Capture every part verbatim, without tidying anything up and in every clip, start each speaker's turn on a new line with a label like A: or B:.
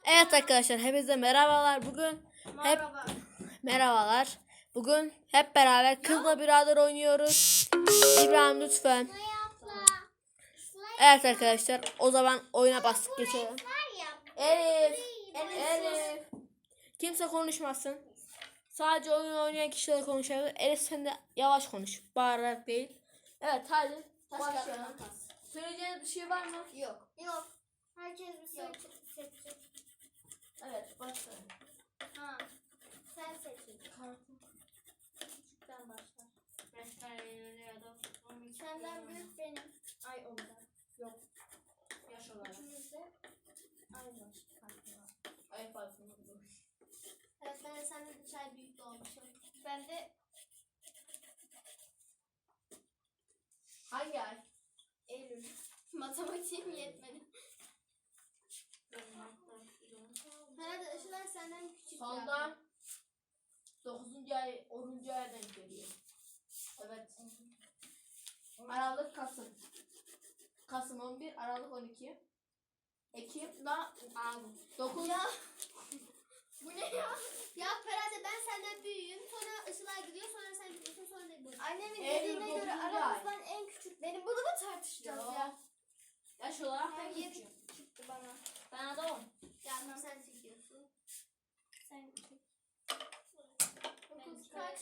A: Evet arkadaşlar, hepinize merhabalar. Bugün
B: Merhaba.
A: hep merhabalar. Bugün hep beraber Kızla Birader oynuyoruz. İbrahim lütfen. Evet arkadaşlar, o zaman oyuna bastık geçelim. Elif, Elif. Kimse konuşmasın. Sadece oyun oynayan kişiler konuşabilir. Elif sen de yavaş konuş. Bağırarak değil. Evet hadi başlayalım. Söyleyeceğiniz bir şey var mı?
B: Yok. Yok. Herkes bir şey seçecek.
A: Evet başlayalım.
B: Ha. Sen seçeceksin. Küçükten başla. Beş kareli ya da senden büyük benim. Ay ondan. Yok.
A: Yaş olarak.
B: İkimizde aynı farkı var.
A: Ay farkında.
B: Evet, ben senden üç ay büyük doğmuşum. Ben de
A: Hangi ay?
B: Eylül. Matematiğim yetmedi. Herhalde Işılay senden küçük.
A: Sonda dokuzuncu ay onuncu aya denk geliyor. Evet. Aralık Kasım. Kasım on bir, Aralık on iki. Ekim da dokuz.
B: Ya. Bu ne ya? Ya herhalde ben senden büyüğüm. Sonra Işılay gidiyor, sonra sen gidiyorsun, sonra ne bu? Annemin
A: Eylül
B: dediğine göre
A: dokuzuncu
B: aramızdan en küçük benim. Bunu mu tartışacağız
A: Yo.
B: ya?
A: Yaş olarak
B: Ben
A: ben
B: yedi
A: küçüğüm.
B: çıktı bana.
A: Ben adamım.
B: Ya tamam, sen çekiyorsun. Sen çek. Dokuz kaç?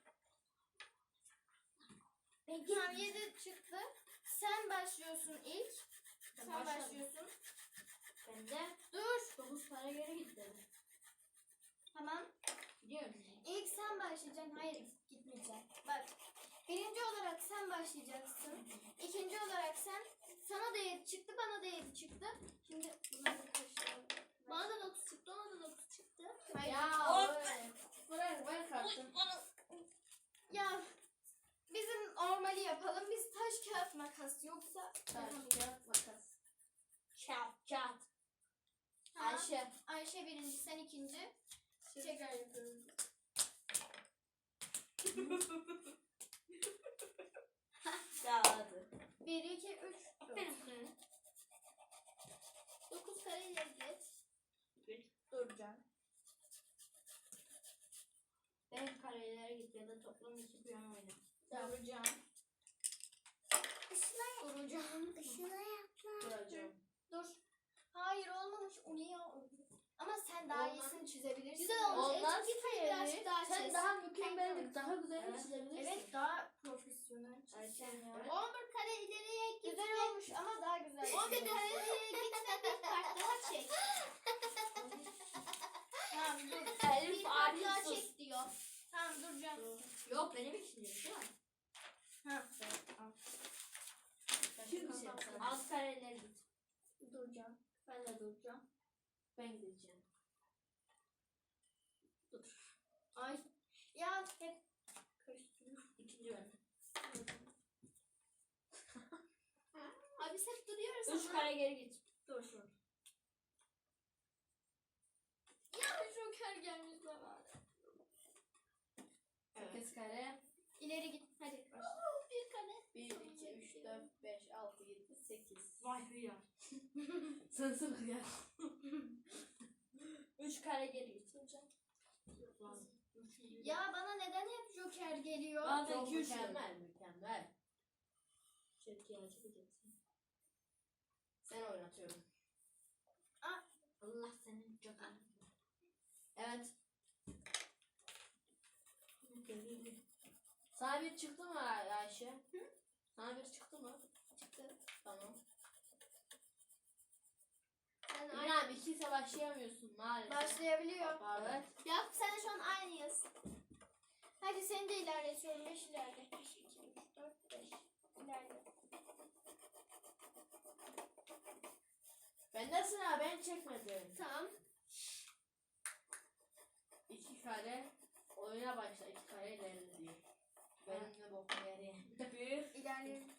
B: Tamam, yedi çıktı. Sen başlıyorsun ilk.
A: Ben
B: Sen
A: başladım.
B: başlıyorsun.
A: Ben de
B: Dur.
A: dokuz para geri gitti.
B: Tamam.
A: Gidiyor musun?
B: İlk sen başlayacaksın. Hayır, gitmeyeceksin. Bak. Birinci olarak sen başlayacaksın. İkinci olarak sen. Sana da yedi çıktı, bana da yedi çıktı. Şimdi bunları karıştıralım. Bana da dokuz çıktı, ona da dokuz çıktı. Hayır.
A: Ya
B: Hop.
A: böyle. Bırak ver kartın.
B: Ya bizim normali yapalım. Biz taş kağıt makas, yoksa
A: Taş, kağıt, makas. Kağıt, kağıt.
B: Ha,
A: Ayşe.
B: Ayşe birinci, sen ikinci. Tekrar yapıyoruz.
A: Ya hadi.
B: Bir, iki, üç, dört. Dokuz kare ileri git.
A: Duracağım. Ben karelere git ya da toplam iki piyon oyna. Duracağım.
B: Işına duracağım. Işına yapma.
A: Duracağım.
B: Dur. Hayır, olmamış. O niye oldu? Ama sen daha
A: Olmaz.
B: iyisini çizebilirsin.
A: Güzel olmuş.
B: Olmaz.
A: Olmaz
B: Git birazcık daha
A: Sen
B: çiz.
A: daha mükemmel,
B: Evet.
A: daha güzel
B: Evet.
A: çizebilirsin.
B: Evet, daha profesyonel çiz.
A: Ayşe,
B: ya.
A: evet.
B: on bir kare ileriye git. Güzel olmuş ama daha güzel. on bir kare ileriye git ve bir kart daha çek. Tamam, dur.
A: Elif
B: Bir kart daha
A: aciz.
B: çek diyor. Tamam, duracağım.
A: Yok benim için değil mi?
B: Ha.
A: Şimdi şey az kareler git.
B: Duracağım.
A: Ben de duracağım. Ben gideceğim. Dur.
B: Ay. Ya hep karıştırıyorum.
A: İkinci ben.
B: Abi biz hep duruyoruz
A: Üç
B: ama.
A: kare geri git. Dur dur.
B: Ya Joker gelmiş bana.
A: Sekiz kare.
B: İleri git. Hadi başla. Bir kare.
A: Bir, iki, üç, dört, beş, altı, yedi, sekiz. Vay hıyar. Sen sırf ya. Üç kare geri git.
B: Ya bana neden hep Joker geliyor?
A: Bazen çok mükemmel, mükemmel. Çetkiyi açacaksın. Sen oynatıyorum.
B: Aa.
A: Allah senin Joker. Evet. Sana bir çıktı mı Ayşe? Hı? Sana bir çıktı mı?
B: Çıktı.
A: Tamam.
B: Ben
A: İbrahim ikiyse başlayamıyorsun maalesef.
B: başlayabiliyor.
A: Evet.
B: Ya sen de şu an aynıyız. Hadi seni de ilerletiyorum. beş ilerle. beş, iki, üç, dört, beş. İlerle.
A: Benden sıra ben çekmedim.
B: Tamam.
A: İki kare oyuna başla. İki kare ilerle diye. Benim de bokum yere. Bir.
B: İlerliyorum.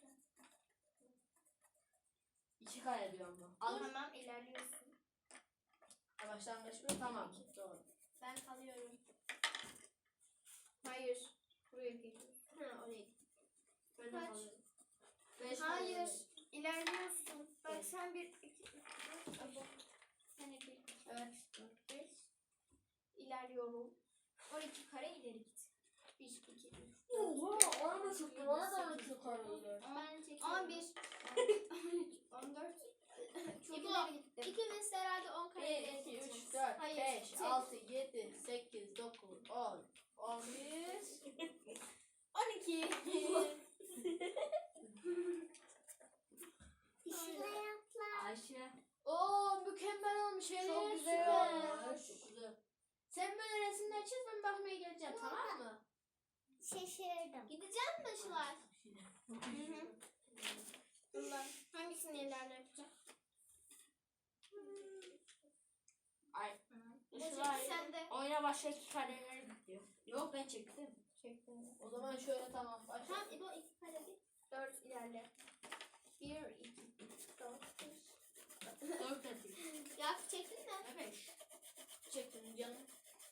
A: İki kare diyorum bu.
B: Al. Tamam, ilerliyorsun.
A: Başlangıç mı? Tamam. Doğru.
B: Ben kalıyorum. Hayır. Buraya geliyorsun. Ha, oraya git.
A: Ben de
B: Kaç?
A: kalıyorum. Beş
B: Hayır.
A: kare.
B: İlerliyorsun. Bak
A: Evet.
B: sen bir, iki, üç, dört, beş. Sen de bir. Evet. dört, beş. İlerliyorum. on iki kare ileri git. bir, iki, üç,
A: Oha, ona da çıktı. Bana da on iki kare ileri.
B: Ben çekiyorum. on bir, on üç, on dört. Çok
A: İbo,
B: ileri gittim.
A: İkimiz herhalde on kare
B: bir,
A: ileri
B: iki,
A: gideceğiz.
B: üç, dört,
A: Hayır,
B: beş,
A: çek.
B: altı, yedi, sekiz, dokuz, on, on bir, on iki.
A: Ayşe. Oo, mükemmel olmuş Elif.
B: Çok güzel
A: Süper.
B: olmuş.
A: Çok güzel. Sen böyle resimler çiz, ben bakmaya geleceğim, tamam mı?
C: Şaşırdım.
B: Gideceğim mi Işılay? Hı hı. Bunlar hangisini ileride yapacağım?
A: Ay.
B: Işılay sen de.
A: Oyuna başka iki kareler gidiyor.
B: Yok ben çektim. Çektim.
A: O zaman şöyle tamam başla.
B: Tamam İbo iki kare bir. Dört ilerle. Bir, iki, üç, dört, beş.
A: Dört atayım.
B: Ya çektin mi?
A: Evet. Çektim canım.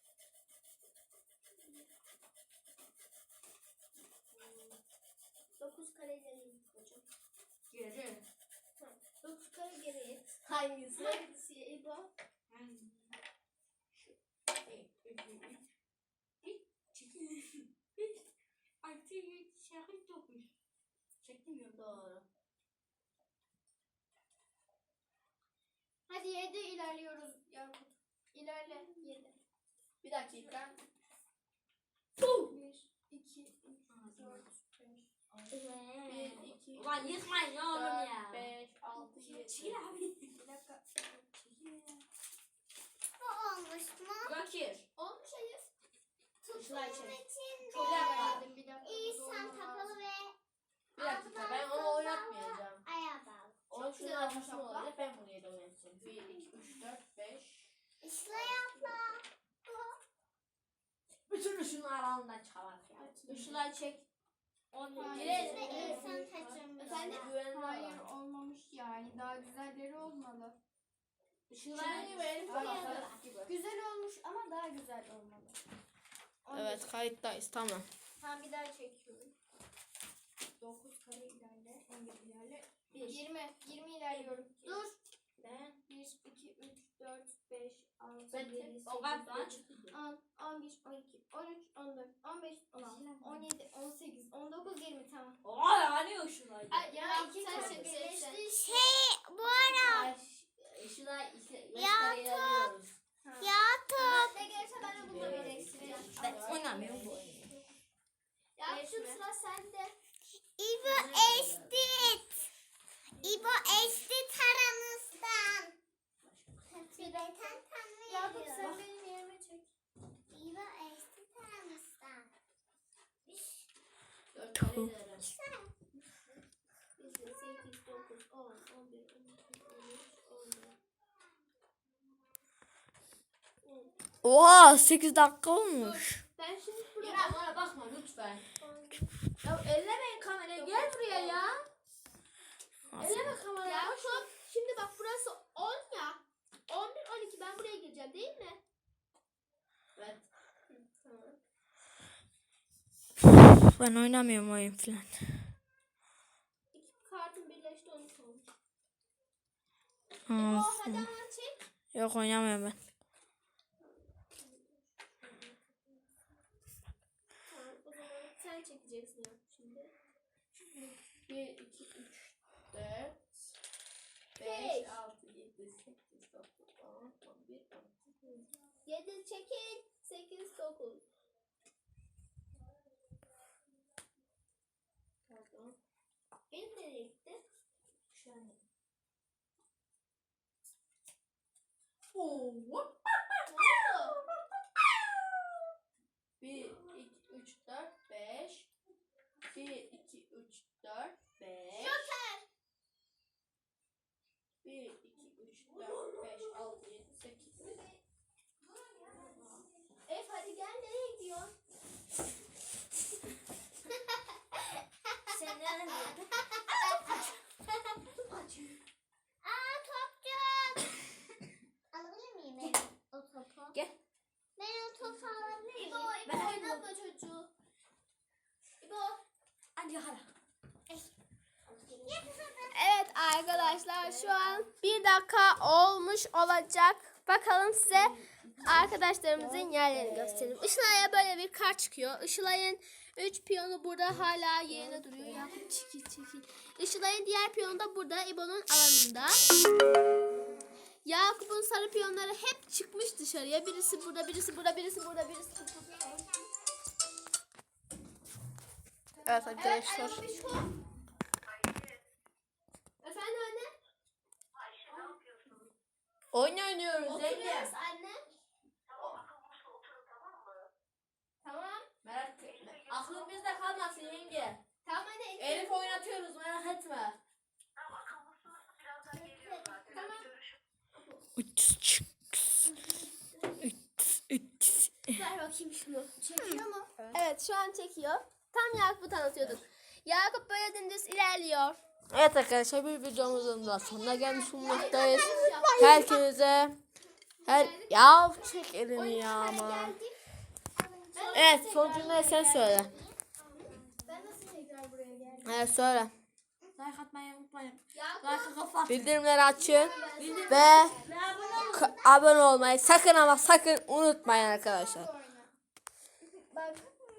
B: Dokuz kare ileri git hocam.
A: Geri.
B: Dokuz kare geri it.
A: Hangisi?
B: Hangisi İbo?
A: Hangisi? Şu. Bir, iki, üç. Bir, çekil. Bir, altı, yedi, sekiz, dokuz. Çektim ya. Doğru.
B: Hadi yedi ilerliyoruz Yakut. İlerle yedi.
A: Bir dakika.
B: Bir, iki, üç, dört, beş, altı.
A: Bir, iki,
C: Ulan yıkmayın ya oğlum
A: dört,
C: ya.
A: beş, altı, yedi.
C: Çekil abi.
B: Bir dakika. Çekil.
C: Bu olmuş mu?
A: Bakir.
B: Olmuş hayır.
A: Işılay
C: Tuttuğum
A: çek.
C: için
A: Bir dakika.
B: Bir dakika.
C: İnsan takalı ve
A: Bir dakika, ben onu oynatmayacağım.
C: ayağa bağlı.
A: O
B: Çok
A: şunun
B: güzel
A: arkasında
B: olmuş abla.
A: olacak, ben buraya da oynatacağım. Bir, iki, üç, dört, beş.
C: İşle yapma.
A: Bütün ışını aralığından çıkar ya. Işılay çek. On
B: Hayır.
A: yedi.
C: Biz de insan taşımız.
B: Efendim?
A: Güvenli
B: Hayır
A: olan.
B: olmamış yani. Daha güzelleri olmalı.
A: Işılay ve Elif
B: Hayır.
A: Balık gibi.
B: Güzel olmuş ama daha güzel olmalı. On
A: Evet,
B: beş.
A: kayıttayız, tamam.
B: Tamam bir daha çekiyorum. dokuz kare ilerle. on bir ilerle. yirmi. yirmi ilerliyorum. Dur.
A: Ben,
B: bir, iki, üç, dört, beş, altı,
A: ben
B: yedi, sekiz,
A: o kadar
B: dokuz,
A: çıktı.
B: on, on bir, on iki, on üç, on dört, on beş, on altı, on yedi, on sekiz, on dokuz, yirmi tamam.
A: Oha, hani Işılay?
B: Ay, ya iki
A: Sen
B: tane
A: çek,
B: birleşti.
C: Şey bu ara
A: Işılay ise
C: Ya,
A: ilerliyoruz.
C: ya top.
B: Ne gelirse ben de bununla birleştireceğim.
A: Ben oynamıyorum bu oyunu.
B: Ya şu sıra sende.
C: İbo eşit. İbo eşit aramızdan. Tibeten
B: Yakup sen
C: tanımıyoruz.
B: benim yerime çek.
C: İbo eşit aramızdan.
A: Dört kare ilerlerim.
B: sekiz, dokuz, on, on bir, on iki, on üç, on dört.
A: Oha, sekiz dakika olmuş.
B: Ben şimdi buraya...
A: Ya bana bakma lütfen. Ya ellemeyin kamerayı, gel buraya ya. Elleme kamerayı.
B: Ya şu şimdi bak burası on ya. on bir, on iki ben buraya gireceğim değil mi?
A: Evet.
B: Tamam.
A: Ben oynamıyorum oyun falan.
B: İki kartın birleşti on üç olmuş.
A: Ha,
B: İbo hadi hemen çek.
A: yok, oynamıyorum ben.
B: Tamam o zaman sen çekeceksin ya şimdi.
A: bir, iki, üç, dört,
B: Beş.
A: beş, altı, yedi, sekiz, dokuz, on, on bir, on iki.
B: yedi çekil. sekiz, dokuz.
A: Pardon.
B: Benim nereye gitti?
A: Şu an. Oo. bir, iki, üç, dört, beş. bir, iki, üç, dört, beş.
B: Joker.
A: bir, iki, üç, dört, beş, altı, yedi, sekiz.
B: Ef hadi gel nereye gidiyorsun?
C: Sen nereye?
B: Aa topçu.
C: Alabilir miyim ben o topu?
A: Gel.
C: Ben o topu alabilir miyim?
B: İbo, İbo
C: Ben
B: oynatma çocuğu. İbo.
A: Hadi hala.
B: Evet arkadaşlar şu an bir dakika olmuş olacak.
A: Bakalım size arkadaşlarımızın yerlerini gösterelim. Işılay'a böyle bir kart çıkıyor. Işılay'ın üç piyonu burada hala yerine duruyor. Ya çekil çekil. Işılay'ın diğer piyonu da burada İbo'nun alanında. Yakup'un sarı piyonları hep çıkmış dışarıya. Birisi burada, birisi burada, birisi burada, birisi burada. Evet arkadaşlar.
B: Evet, Ayşe, şu. Efendim anne?
A: Oyun oynuyoruz.
B: Oturuyoruz anne. Tamam.
A: Merak etme. Aklın bizde kalmasın yenge.
B: Tamam anne.
A: Elif oynatıyoruz, merak etme.
B: Tamam. Ver bakayım şunu. Çekiyor mu?
A: Evet şu an çekiyor. Tam Yakup'u tanıtıyorduk. Yakup böyle dümdüz ilerliyor. Evet arkadaşlar bir videomuzun da sonuna gelmiş bulunmaktayız. Herkese her ya çek elini ya ama. Evet son cümleyi sen söyle.
B: Ben nasıl tekrar buraya geldim?
A: Evet söyle.
D: Like atmayı unutmayın.
B: Yakup.
D: Like kafa.
A: Bildirimleri açın ve k- abone olmayı sakın ama sakın unutmayın arkadaşlar.